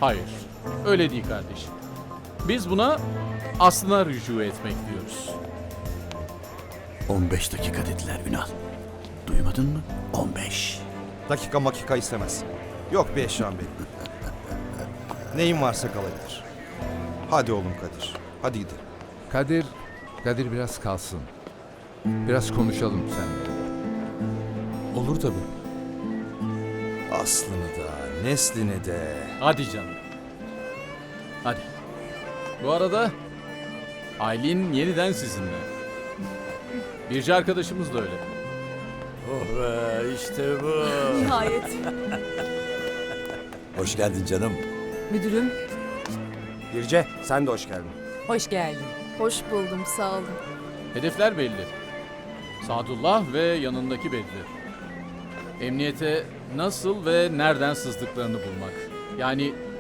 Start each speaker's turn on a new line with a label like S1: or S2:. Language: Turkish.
S1: Hayır, öyle değil kardeşim. Biz buna aslına rücu etmek diyoruz.
S2: 15 dakika dediler Ünal. Duymadın mı? 15.
S3: Dakika makika istemez. Yok bir eşyam benim. Neyin varsa kalabilir. Hadi oğlum Kadir. Hadi gidelim.
S4: Kadir biraz kalsın. Biraz konuşalım seninle.
S5: Olur tabii.
S3: Aslını da, neslini de.
S1: Hadi canım. Hadi. Bu arada Aylin yeniden sizinle. Birci arkadaşımız da öyle.
S5: Oh be işte bu.
S6: Nihayet.
S5: Hoş geldin canım.
S6: Müdürüm,
S3: Birce sen de hoş geldin.
S6: hoş geldin.
S7: Hoş buldum, sağ olun.
S1: Hedefler belli. Sadullah ve yanındaki belli. Emniyete nasıl ve nereden sızdıklarını bulmak. Yani